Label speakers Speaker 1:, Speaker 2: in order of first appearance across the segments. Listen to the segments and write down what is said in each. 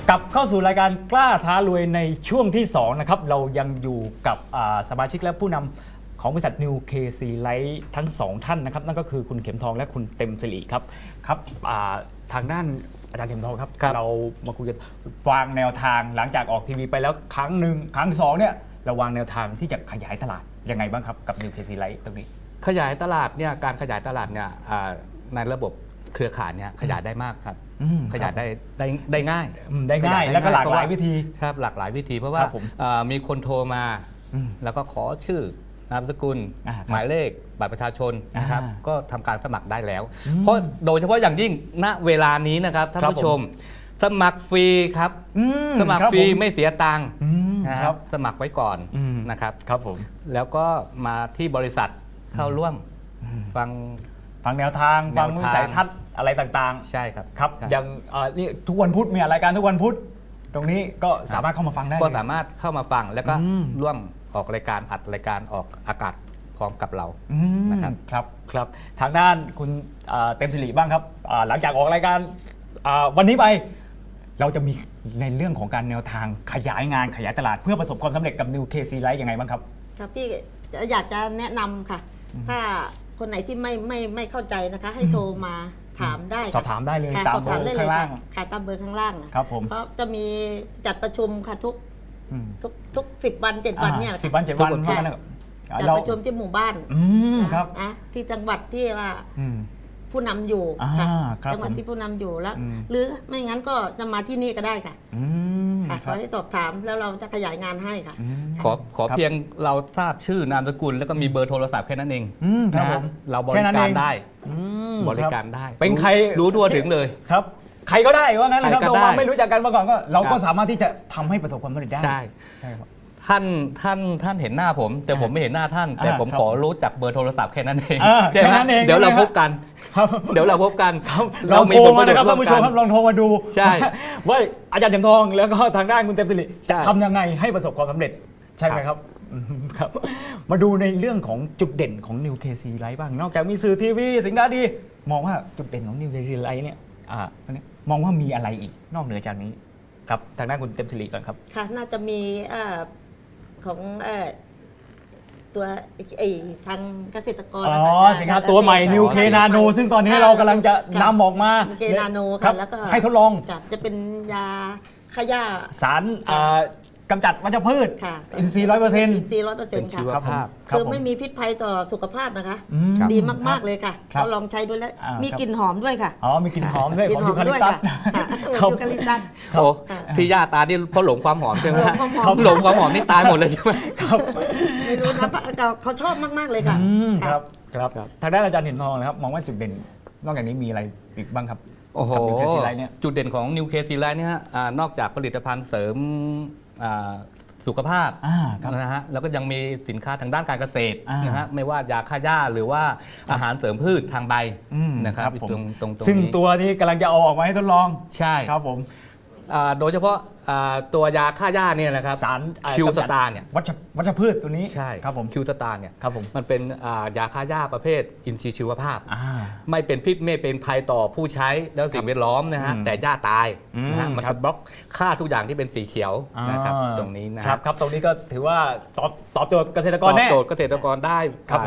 Speaker 1: กลับเข้าสู่รายการกล้าท้ารวยในช่วงที่2นะครับเรายังอยู่กับสมาชิกและผู้นำของบริษัท New KC Life ทั้ง2ท่านนะครับนั่นก็คือคุณเข็มทองและคุณเต็มสิริครับครับทางด้านอาจารย์เข็มทองครับเรามาคุยกันวางแนวทางหลังจากออกทีวีไปแล้วครั้งหนึ่งครั้ง2เนี่ยเราวางแนวทางที่จะขยายตลาดยังไงบ้างครับกับ New KC Life ตรงนี้
Speaker 2: ขยายตลาดเนี่ยการขยายตลาดเนี่ยในระบบเครือข่ายเนี่ยขยายได้มากครับขยายได้ง่าย
Speaker 1: แล้วก็หลากหลายวิธี
Speaker 2: ครับหลากหลายวิธีเพราะว่ามีคนโทรมาแล้วก็ขอชื่อนามสกุลหมายเลขบัตรประชาชนนะครับก็ทำการสมัครได้แล้วเพราะโดยเฉพาะอย่างยิ่งณเวลานี้นะครับท่านผู้ชมสมัครฟรีครับสมัครฟรีไม่เสียตังค์นะครับสมัครไว้ก่อนนะครับ
Speaker 1: ครับผม
Speaker 2: แล้วก็มาที่บริษัทเข้าร่วมฟัง
Speaker 1: แนวทางฟังวิสัยทัศน์อะไรต่าง
Speaker 2: ๆใช่ครับ
Speaker 1: ครับอย่างนี่ทุกวันพุธมีรายการทุกวันพุธตรงนี้ก็สามารถเข้ามาฟังได้
Speaker 2: ก็สามารถเข้ามาฟังแล้วก็ร่วมออกรายการอัดรายการออกอากาศพร้อมกับเรา
Speaker 1: นะครับครับทางด้านคุณเต็มสิริบ้างครับหลังจากออกรายการวันนี้ไปเราจะมีในเรื่องของการแนวทางขยายงานขยายตลาดเพื่อประสบความสำเร็จกับ New KC Life ยังไงบ้างครับ
Speaker 3: ครับพี่อยากจะแนะนำค่ะถ้าคนไหนที่ไม่เข้าใจนะคะให้โทรมาถามได้
Speaker 1: สอบถามได้เลยตามเบอร์ข้างล่าง
Speaker 3: ค่ะตามเบอร์ข้างล่าง
Speaker 1: ครับผม
Speaker 3: เพราะจะมีจัดประชุมค่ะทุก10 วัน 7 วันเนี่ย
Speaker 1: 10 วัน 7 วัน
Speaker 3: จัดประชุมที่หมู่บ้าน
Speaker 1: ครับ
Speaker 3: ที่จังหวัดที่ว่าผู้นำอยู่ค่ะจังหวัดที่ผู้นำอยู่แล้วหรือไม่งั้นก็จะมาที่นี่ก็ได้ค่ะขอให้สอบถามแล้วเราจะขยายงานให้ค่ะ
Speaker 2: ขอเพียงเราทราบชื่อนามสกุลแล้วก็มีเบอร์โทรศัพท์แค่นั้นเอง
Speaker 1: นะ
Speaker 2: เราบริการได้บริการได้
Speaker 1: เป็นใคร
Speaker 2: รู้ทั่วถึงเลย
Speaker 1: ครับใครก็ได้ว่างั้นนะครับเราไม่รู้จักกันมาก่อนก็เราก็สามารถที่จะทำให้ประสบความสำเร็จได้
Speaker 2: ใช่ท่านเห็นหน้าผมแต่ผมไม่เห็นหน้าท่านแต่ผมขอรู้จักเบอร์โทรศัพท์แค่นั้นเอง
Speaker 1: แค่นั้นเอง
Speaker 2: เดี๋ยวเราพบกันเดี๋ยวเราพบกัน
Speaker 1: เราโทรมานะครับท่านผู้ชมครับลองโทรมาดู
Speaker 2: ใช่
Speaker 1: ว่าอาจารย์เข็มทองแล้วก็ทางด้านคุณเต็มสิริจะทำยังไงให้ประสบความสำเร็จใช่ไหมครับครับมาดูในเรื่องของจุดเด่นของ New KC Life บ้างนอกจากมีสื่อทีวีสินค้าดีมองว่าจุดเด่นของ New KC Life เนี่ยมองว่ามีอะไรอีกนอกเหนือจากนี้ครับทางด้านคุณเต็มสิริก่อนครับ
Speaker 3: ค่ะน่าจะมีของตัวทางเกษตรกร
Speaker 1: สินค้าตัวใหม่ New K Nano ซึ่งตอนนี้เรากำลังจะนำออกมา
Speaker 3: New K Nano ค่ะแล้วก็
Speaker 1: ให้ทดลอง
Speaker 3: จะเป็นยาฆ่าหญ้า
Speaker 1: สารกำจัดวัชพืชอินทรีย์ 100%
Speaker 3: อินทรีย์ 100% ค่ะคือไม่มีพิษภัยต่อสุขภาพนะคะดีมากๆเลยค่ะเราลองใช้ดูแล้วมีกลิ่นหอมด้วยค่ะ
Speaker 1: มีกลิ่นหอมด้วยของยูคาลิปตัส
Speaker 3: ยูคาลิปตัส
Speaker 2: ที่ย่าตาที่เพราะหลงความหอมใช่ไหมเขาหลงความหอมนี่ตายหมดเลยใช่ไหม
Speaker 3: ครับไม่รู้นะเขาชอบมากๆเลยค่ะ
Speaker 1: ครับทางด้านอาจารย์เห็นทองนะครับมองว่าจุดเด่นนอกจากนี้มีอะไรอีกบ้างครับ
Speaker 2: โอ้โหจุดเด่นของ New KC Life เนี่ยนอกจากผลิตภัณฑ์เสริมสุขภาพนะฮะแล้วก็ยังมีสินค้าทางด้านการเกษตรนะฮะไม่ว่ายาฆ่าหญ้าหรือว่าอาหารเสริมพืชทางใบนะครับตรง
Speaker 1: ซึ่งตัวนี้กำลังจะเอาออกมาให้ทดลอง
Speaker 2: ใช่
Speaker 1: ครับผม
Speaker 2: โดยเฉพาะตัวยาฆ่าหญ้าเนี่ยนะครับ
Speaker 1: สาร
Speaker 2: คิวสตาร์เนี่ย
Speaker 1: วัชพืชตัวนี้
Speaker 2: ใช่
Speaker 1: ครับผม
Speaker 2: คิวสตาร์เนี่ย
Speaker 1: ครับผม
Speaker 2: มันเป็นยาฆ่าหญ้าประเภทอินทรีย์ชีวภาพไม่เป็นพิษไม่เป็นภัยต่อผู้ใช้แล้วสิ่งแวดล้อมนะฮะแต่หญ้าตายนะฮะมันจะบล็อกฆ่าทุกอย่างที่เป็นสีเขียวนะครับตรงนี้
Speaker 1: นะครับตรงนี้ก็ถือว่าตอบโจทย์เกษตรกรแน่
Speaker 2: ตอบโจทย์เกษตรกรได้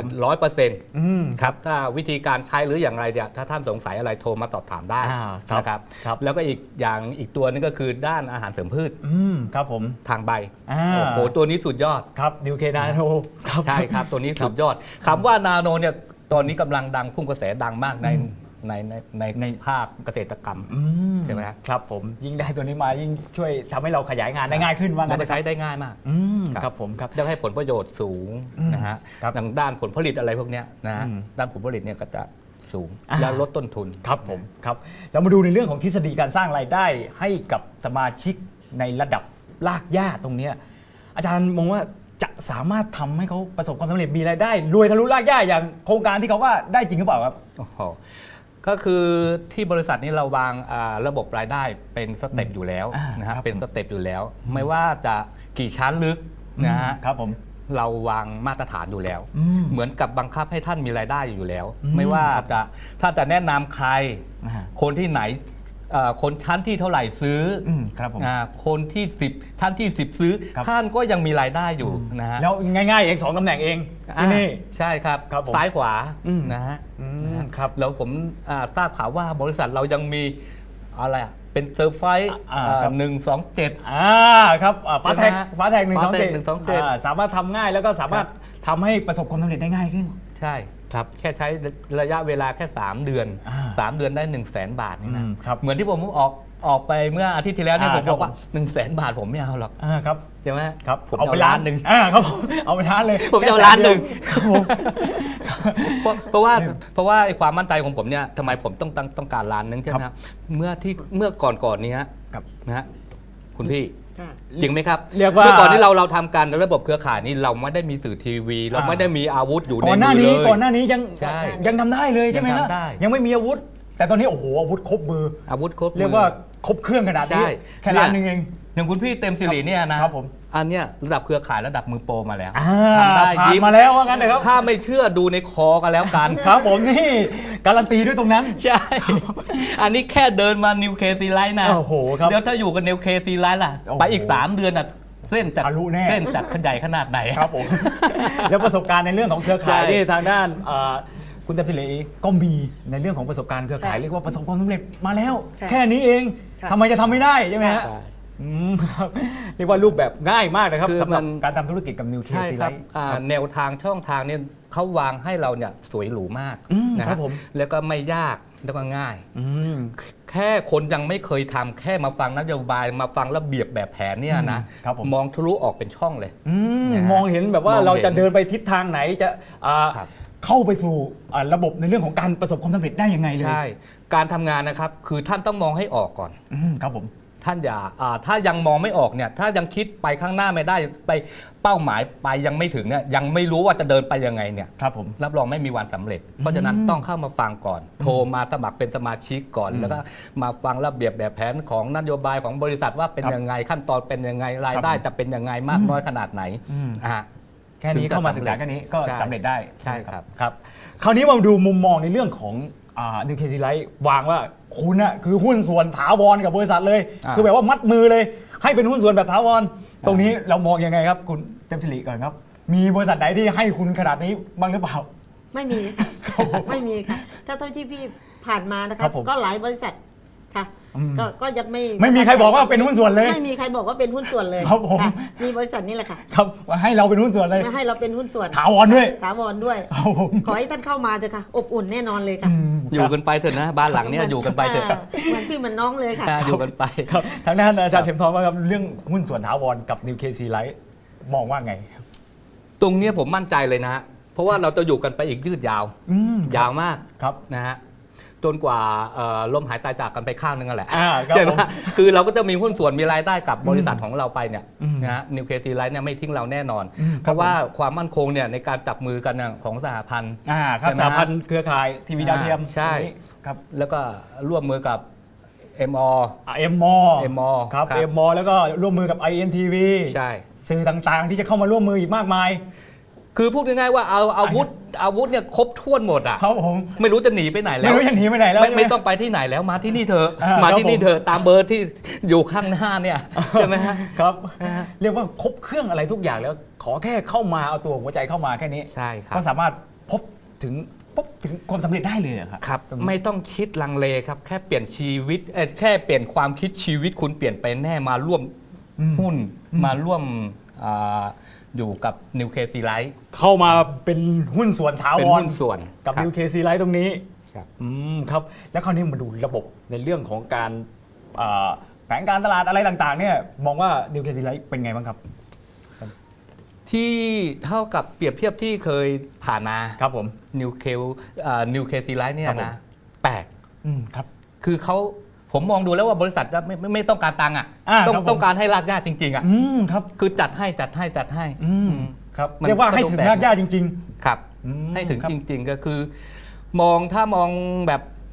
Speaker 2: 100%ครับถ้าวิธีการใช้หรืออย่างไรเนี่ยถ้าท่านสงสัยอะไรโทรมาสอบถามได้นะครับแล้วก็อีกตัวนึงก็คือด้านอาหารเสริมพืช
Speaker 1: ครับผม
Speaker 2: ทางใบโอ้โหตัวนี้สุดยอด
Speaker 1: ครับ New K Nano
Speaker 2: ใช่ครับตัวนี้สุดยอดคำว่านาโนเนี่ยตอนนี้กำลังดังพุ่งกระแสดังมากในภาคเกษตรกรรมใช่ไหม
Speaker 1: ครับผมยิ่งได้ตัวนี้มายิ่งช่วยทำให้เราขยายงานได้ง่ายขึ้นว่า
Speaker 2: งั้นจะใช้ได้ง่ายมาก
Speaker 1: ครับผมครับ
Speaker 2: จะให้ผลประโยชน์สูงนะฮะทางด้านผลผลิตอะไรพวกนี้นะด้านผลผลิตเนี่ยก็จะสูงและลดต้นทุน
Speaker 1: ครับผมครับเรามาดูในเรื่องของทฤษฎีการสร้างรายได้ให้กับสมาชิกในระดับรากหญ้าตรงนี้อาจารย์มองว่าจะสามารถทำให้เขาประสบความสำเร็จมีรายได้รวยทะลุรากหญ้าอย่างโครงการที่เขาว่าได้จริงหรือเปล่าครับ
Speaker 2: ก็คือที่บริษัทนี้เราวางระบบรายได้เป็นสเต็ปอยู่แล้วนะครับเป็นสเต็ปอยู่แล้วไม่ว่าจะกี่ชั้นลึกนะฮะ
Speaker 1: ครับผม
Speaker 2: เราวางมาตรฐานอยู่แล้วเหมือนกับบังคับให้ท่านมีรายได้อยู่แล้วไม่ว่าถ้าจะแนะนำใครคนที่ไหนคนชั้นที่เท่าไหร่ซื้อ
Speaker 1: ครับผม
Speaker 2: คนที่10ท่านที่10ซื้อท่านก็ยังมีรายได้อยู่นะฮะ
Speaker 1: แล้วง่ายๆเอง2ตำแหน่งเองที่นี่
Speaker 2: ใช่ครับซ้ายขวานะฮะ
Speaker 1: ครับ
Speaker 2: แล้วผมทราบข่าวว่าบริษัทเรายังมีอะไรเป็นเซอร์ไฟ127
Speaker 1: ครับฟ้าแท็ก127สามารถทำง่ายแล้วก็สามารถทำให้ประสบความสำเร็จได้ง่ายขึ้น
Speaker 2: ใช่ครับแค่ใช้ระยะเวลาแค่3 เดือน3 เดือนได้ 100,000 บาทนี่นะเหมือนที่ผมออกไปเมื่ออาทิตย์ที่แล้วเนี่ยผมบอกว่า 100,000 บาทผมไม่เอาหรอก
Speaker 1: ครับ
Speaker 2: ใช่ไหม
Speaker 1: ครับ
Speaker 2: ผมเอาล้านหนึ่ง
Speaker 1: ครับเอาไปล้านเลย
Speaker 2: ผมจะเอาล้านหนึ่งเพราะว่าไอ้ความมั่นใจของผมเนี่ยทำไมผมต้องการล้านนึงใช่ไหมครับเมื่อก่อนนี้นะฮะคุณพี่จริงไหมครับ
Speaker 1: เรียกว่า
Speaker 2: เมื่อก่อนที่เราทำการระบบเครือข่ายนี่เราไม่ได้มีสื่อทีวีเราไม่ได้มีอาวุธอยู่ในมือเลย
Speaker 1: ก่อนหน้านี้ยังทำได้เลยใช่ไหมฮะยังไม่มีอาวุธแต่ตอนนี้โอ้โหอาวุธครบมือเรียกว่าครบเครื่องขนาดนี้แค่ล้านนึงเอง
Speaker 2: อย่างคุณพี่เต็มสิริเนี่ยนะครับผมอันเนี้ยระดับเครือข่ายระดับมือโปรมาแล้ว
Speaker 1: ทำได้ยิ้มมาแล้วว่างั้นเลยครับ
Speaker 2: ถ้าไม่เชื่อดูในคอกันแล้วกัน
Speaker 1: ครับผมนี่การันตีด้วยตรงนั้น
Speaker 2: ใช่อันนี้แค่เดินมานิวเคซีไลท์นะ
Speaker 1: โอ้โหครับ
Speaker 2: เดี๋ยวถ้าอยู่กับนิวเคซีไลท์ล่ะไปอีก3 เดือนอ่ะเส้นจากขยายขนาดไหน
Speaker 1: ครับผมแล้วประสบการณ์ในเรื่องของเครือข่ายที่ทางด้านคุณเต็มสิริก็มีในเรื่องของประสบการณ์เครือข่ายเรียกว่าประสบความสำเร็จมาแล้วแค่นี้เองทำไมจะทำไม่ได้ใช่ไหมฮะเรียกว่ารูปแบบง่ายมากนะครับสำหรับการทำธุรกิจกับนิวเคลียร์ซีไลท์
Speaker 2: แนวทางช่องทางเนี่ยเขาวางให้เราเนี่ยสวยหรูมาก
Speaker 1: นะครับผม
Speaker 2: แล้วก็ไม่ยากแล้วก็ง่ายแค่คนยังไม่เคยทำแค่มาฟังนโยบายมาฟังระเบียบแบบแผนเนี่ยนะมองทะลุออกเป็นช่องเลย
Speaker 1: มองเห็นแบบว่าเราจะเดินไปทิศทางไหนจะเข้าไปสู่ระบบในเรื่องของการประสบความสำเร็จได้ยังไงเลย
Speaker 2: ใช่การทำงานนะครับคือท่านต้องมองให้ออกก่อน
Speaker 1: ครับผม
Speaker 2: ท่านอย่าถ้ายังมองไม่ออกเนี่ยถ้ายังคิดไปข้างหน้าไม่ได้ไปเป้าหมายไปยังไม่ถึงเนี่ยยังไม่รู้ว่าจะเดินไปยังไงเนี่ย
Speaker 1: ครับผม
Speaker 2: รับรองไม่มีวันสำเร็จเพราะฉะนั้นต้องเข้ามาฟังก่อนโทรมาสมัครเป็นสมาชิกก่อนแล้วก็มาฟังระเบียบแบบแผนของนโยบายของบริษัทว่าเป็นยังไงขั้นตอนเป็นยังไงรายได้จะเป็นยังไงมากน้อยขนาดไหน
Speaker 1: แค่นี้เข้ามาศึกษาแค่นี้ก็สำเร็จได้
Speaker 2: ใช่ครับ
Speaker 1: ครับคราวนี้มาดูมุมมองในเรื่องของนิวเคซีไลท์วางว่าคุณน่ะคือหุ้นส่วนถาวรกับบริษัทเลยคือแบบว่ามัดมือเลยให้เป็นหุ้นส่วนแบบถาวรตรงนี้เรามองยังไงครับคุณเต็มสิริก่อนครับมีบริษัทไหนที่ให้คุณขนาดนี้บ้างหรือเปล่า
Speaker 3: ไม่มีค่ะไม่มีค่ะถ้าเท่าที่พี่ผ่านมานะครับก็หลายบริษัทค่ะก็ยัง
Speaker 1: ไม่มีใครบอกว่าเป็นหุ้นส่วนเลย
Speaker 3: ไม่มีใครบอกว่าเป็นหุ้นส่วนเลย
Speaker 1: ครับผม
Speaker 3: มีบริษัทนี้แหละค่ะ
Speaker 1: ครับให้เราเป็นหุ้นส่วนเลย
Speaker 3: ให้เราเป็นหุ้นส่วน
Speaker 1: ถาวรด้วย
Speaker 3: ขอให้ท่านเข้ามาเถอะค่ะอบอุ่นแน่นอนเลยค่ะ
Speaker 2: อยู่กันไปเถอะนะบ้านหลังนี้อยู่กันไปเถอะ
Speaker 3: เหมือนพี่เหมือนน้องเลยค่ะ
Speaker 2: อยู่กันไป
Speaker 1: ครับทางด้านอาจารย์เข็มทองว่าครับเรื่องหุ้นส่วนถาวรกับนิวเคซีไลท์มองว่าไง
Speaker 2: ตรงนี้ผมมั่นใจเลยนะเพราะว่าเราจะอยู่กันไปอีกยืดยาวยาวมาก
Speaker 1: ครับ
Speaker 2: นะฮะจนกว่าลมหายตายจากกันไปข้างนึงแหละใช่ไหมคือเราก็จะมีหุ้นส่วนมีรายได้กับบริษัทของเราไปเนี่ยนะฮะนิวเคลียร์ไลท์เนี่ยไม่ทิ้งเราแน่นอนเพราะว่าความมั่นคงเนี่ยในการจับมือกันของสหพันธ์
Speaker 1: ครับสหพันธ์เครือข่ายทีวีดาวเทียม
Speaker 2: ใช่ครับแล้วก็ร่วมมือกับม
Speaker 1: ครับแล้วก็ร่วมมือกับ INTV
Speaker 2: ใช่
Speaker 1: สื่อต่างๆที่จะเข้ามาร่วมมืออีกมากมาย
Speaker 2: คือพูดง่ายๆว่าเอาอาวุธเนี่ยครบถ้วนหมดอ่ะ
Speaker 1: ครับผม
Speaker 2: ไม่รู้จะหนีไปไหนแล้ว
Speaker 1: ไม่รู้จะหนีไปไหนแล้ว
Speaker 2: ไม่ต้องไปที่ไหนแล้วมาที่นี่เถอะมาที่นี่เถอะตามเบอร์ที่อยู่ข้างหน้าเนี่ยใช่ไหมฮะ
Speaker 1: ครับเรียกว่าครบเครื่องอะไรทุกอย่างแล้วขอแค่เข้ามาเอาตัวหัวใจเข้ามาแค่นี้
Speaker 2: ใช่ครับ
Speaker 1: ก็สามารถพบถึงความสำเร็จได้เลยครับ
Speaker 2: ครับไม่ต้องคิดลังเลครับแค่เปลี่ยนชีวิตแค่เปลี่ยนความคิดชีวิตคุณเปลี่ยนไปแน่มาร่วมหุ้นมาร่วมอยู่กับนิวเคซีไลท์
Speaker 1: เข้ามาเป็นหุ้นส่วนถาวร
Speaker 2: เป็นหุ้นส่วน
Speaker 1: กับนิวเคซีไลท์ตรงนี้ครับแล้วคราวนี้มาดูระบบในเรื่องของการแผนการตลาดอะไรต่างๆเนี่ยมองว่านิวเคซีไลท์เป็นไงบ้างครับ
Speaker 2: ที่เท่ากับเปรียบเทียบที่เคยผ่านมา
Speaker 1: ครับผม
Speaker 2: นิวเคซีไลท์เนี่ยนะแปลก
Speaker 1: ครับ
Speaker 2: คือผมมองดูแล้วว่าบริษัทจะไม่ต้องการตังค์ต้องการให้รากหญ้าจริงๆ
Speaker 1: ครับ
Speaker 2: คือจัดให้
Speaker 1: ครับเรียกว่าให้ถึงรากหญ้าจริง
Speaker 2: ๆครับให้ถึงจริงๆก็คือถ้ามองแบบ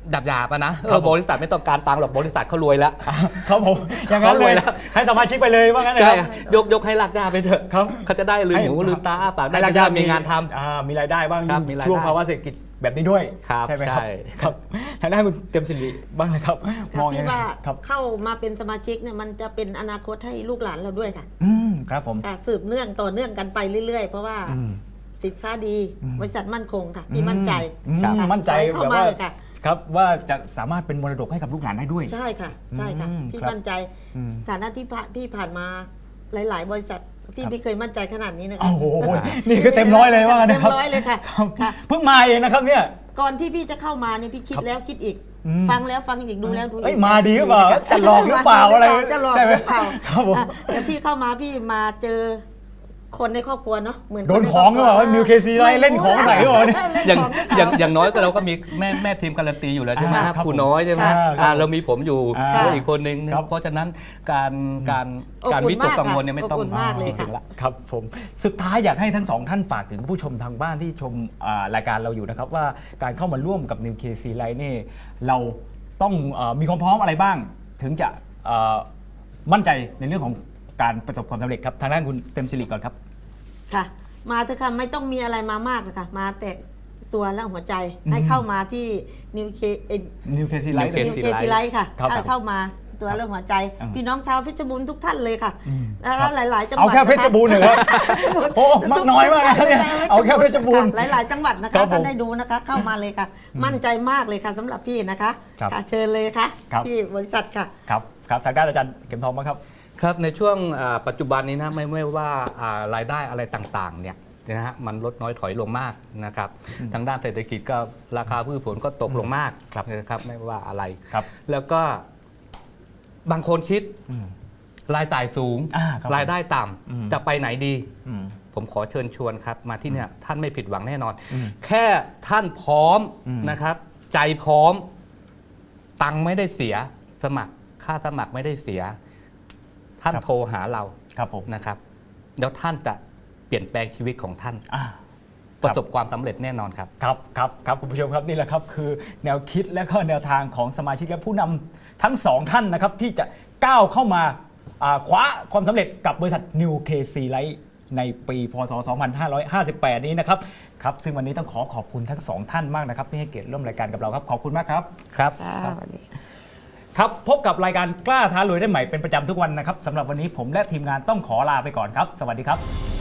Speaker 2: หยาบๆอะนะ
Speaker 1: ครับผม
Speaker 2: บริษัทไม่ต้องการตังค์หรอกบริษัทเขารวยแล้ว
Speaker 1: ครับผมอย่างนั้นเล
Speaker 2: เขารวย ยแล้ว
Speaker 1: ให้สมาชิกไปเลยว่างั้นนะ
Speaker 2: ใช่
Speaker 1: ครับ
Speaker 2: ยกให้รากหญ้าไปเถอะ
Speaker 1: ครับ
Speaker 2: เขาจะได้ลืมหูลืมตาอ้าปากได้
Speaker 1: ให้รากห
Speaker 2: จะ
Speaker 1: ญ้า
Speaker 2: ได้มีงานทำ
Speaker 1: มีรายได้บ้าง
Speaker 2: ครับมีรายได้
Speaker 1: ช่วงภาวะเศรษฐกิจแบบนี้ด้วย
Speaker 2: ครับ
Speaker 1: ใช่ไหมครับ
Speaker 2: ใช่
Speaker 1: ครับทางด้านคุณเต็มสิริบ้างนะครับมองยัง
Speaker 3: พี่
Speaker 1: ไง
Speaker 3: ว่า
Speaker 1: ครับ
Speaker 3: เข้ามาเป็นสมาชิกเนี่ยมันจะเป็นอนาคตให้ลูกหลานเราด้วยค่ะ
Speaker 1: ครับผม
Speaker 3: ค่ะสืบเนื่องต่อเนื่องกันไปเรื่อยๆ เพราะว่า
Speaker 1: อืม
Speaker 3: สินค้าดีบริษัทมั่นคงค่ะพี่มั่นใจ
Speaker 1: ครับ
Speaker 3: ค่ะ
Speaker 1: มั่นใจ
Speaker 3: ขอให้เข้า
Speaker 1: แบบ
Speaker 3: มา
Speaker 1: ว่า
Speaker 3: เลยค่ะ
Speaker 1: ครับว่าจะสามารถเป็นมรดกให้กับลูกหลานได้ด้วย
Speaker 3: ใช่ค่ะใช่ค่ะ พี่
Speaker 1: ครับ
Speaker 3: มั่นใจ
Speaker 1: อืม
Speaker 3: ฐานะที่พี่ผ่านมาหลาย ๆ บริษัทพี่
Speaker 1: ครับ
Speaker 3: ไม่เคยมั่นใจขนาดนี้นะ
Speaker 1: โอ้
Speaker 3: คะ
Speaker 1: โหนี่คือเต็มร้อยเลยว่างั้น
Speaker 3: เต็
Speaker 1: นะ
Speaker 3: ม
Speaker 1: ครับ
Speaker 3: ร้อยเลยค่ะ
Speaker 1: ครับ
Speaker 3: ค่ะ
Speaker 1: เพิ่งมาเองนะครับเนี่ย
Speaker 3: ก่อนที่พี่จะเข้ามาเนี่ยพี่คิด
Speaker 1: ครับ
Speaker 3: แล้วคิดอีก
Speaker 1: อืม
Speaker 3: ฟังแล้วฟังอีกดูแล้วดูอีก
Speaker 1: เอ้ยมาดีหรือเปล่าจะหลอกหรือเปล่าอะไร
Speaker 3: จะหลอก
Speaker 1: ใช่ไห
Speaker 3: ห
Speaker 1: ม
Speaker 3: รือเปล่า
Speaker 1: ครับผม
Speaker 3: อ่ะแต่พี่เข้ามาพี่มาเจอคนในครอบครัวเนาะเหมือน
Speaker 1: โดนของหรือเปล่านิวเคซีไล่เล่นของใส่หรือเปล่าเนี่ย
Speaker 2: อย่าง
Speaker 3: ของหรือเป
Speaker 2: อย่าง
Speaker 3: ล่า
Speaker 2: อย่างน้อยก็เราก็มีแม่ทีมการันตีอยู่แล้วใช่ไหม
Speaker 1: อ่า
Speaker 2: ครับ
Speaker 1: ครับ
Speaker 2: ครูน้อยใช่ไหม
Speaker 1: ครับครับ
Speaker 2: เรามีผมอยู่
Speaker 1: อ่า
Speaker 2: แล้วอีกคนนึง
Speaker 1: ครับ
Speaker 2: เพราะฉะนั้นการการ
Speaker 3: อบอุ่น
Speaker 2: การวิตกกังวลเนี่ย
Speaker 3: มาก
Speaker 2: ไม่ต้อง
Speaker 3: อบอุ่นมากเลยค่ะ
Speaker 2: ถึงละ
Speaker 1: ครับผมสุดท้ายอยากให้ทั้งสองท่านฝากถึงผู้ชมทางบ้านที่ชมรายการเราอยู่นะครับว่าการเข้ามาร่วมกับ New KC Life นี่เราต้องมีความพร้อมอะไรบ้าง ถึงจะมั่นใจในเรื่องของการประสบความสำเร็จครับทางด้านคุณเต็มสิริก่อนครับ
Speaker 3: ค่ะ มาเถอะค่ะไม่ต้องมีอะไรมามากเลยค่ะมาแต่ตัวและหัวใจให้เข้ามาที่นิวเค
Speaker 1: New KC
Speaker 2: New
Speaker 1: Life
Speaker 2: KC
Speaker 3: นิวเคทีไลท์ค่ะ
Speaker 1: ครับ
Speaker 3: เข้ามาตัวและหัวใจ
Speaker 1: อืม
Speaker 3: พี่น้องชาวเพชรบูรณ์ทุกท่านเลยค่ะ
Speaker 1: ครั
Speaker 3: แล้ว
Speaker 1: บ
Speaker 3: หลาย ๆ จังหวั
Speaker 1: เอา
Speaker 3: ด
Speaker 1: แค่เพชรบูรณ์เหรอครับโอ้มากน้อยมากนะครับเนี่ยเอาแค่เพชรบูรณ์
Speaker 3: ค่ะหลาย ๆ จังหวัดนะ
Speaker 1: ครั
Speaker 3: คะ
Speaker 1: บผม
Speaker 3: ท่านได้ดูนะคะ เข้ามาเลยค่ะ มั่นใจมากเลยค่ะสำหรับพี่นะคะ
Speaker 1: ครับ
Speaker 3: ค่ะเชิญเลยค่ะ
Speaker 1: ครับ
Speaker 3: ที่บริษัทค่ะ
Speaker 1: ครับครับทางด้านอาจารย์เข็มทองบ้างครับ
Speaker 2: ครับในช่วงปัจจุบันนี้นะไม่ว่ารายได้อะไรต่างๆเนี่ยนะฮะมันลดน้อยถอยลงมากนะครับทางด้านเศรษฐกิจก็ราคาพืชผลก็ตกลงมากนะครับไม่ว่าอะไร
Speaker 1: ครับ
Speaker 2: แล้วก็บางคนคิดรายจ่ายสูง
Speaker 1: ครับ
Speaker 2: รายได้ต่
Speaker 1: อืม
Speaker 2: ำจะไปไหนดี
Speaker 1: อืม
Speaker 2: ผมขอเชิญชวนครับมาที่เนี่ยท่านไม่ผิดหวังแน่นอน
Speaker 1: อืม
Speaker 2: แค่ท่านพร้อม
Speaker 1: อืม
Speaker 2: นะครับ ใจพร้อม ตังค์ไม่ได้เสียสมัครค่าสมัครไม่ได้เสีย ท่านโทรหาเรา
Speaker 1: ครับผม
Speaker 2: นะครับแล้วท่านจะเปลี่ยนแปลงชีวิตของท่าน
Speaker 1: อ่า
Speaker 2: ประสบความสำเร็จแน่นอนครับ
Speaker 1: ครับครับครับคุณผู้ชมครับนี่แหละครับคือแนวคิดและก็แนวทางของสมาชิกและผู้นำทั้งสองท่านนะครับที่จะก้าวเข้ามาคว้าความสำเร็จกับบริษัท New KC Life ในปีพศ 2558 นี้นะครับครับซึ่งวันนี้ต้องขอบคุณทั้งสองท่านมากนะครับที่ให้เกียรติร่วมรายการกับเราครับขอบคุณมากครับ
Speaker 2: ครับ
Speaker 1: ครับพบกับรายการกล้าท้ารวยได้ใหม่เป็นประจำทุกวันนะครับสำหรับวันนี้ผมและทีมงานต้องขอลาไปก่อนครับ สวัสดีครับ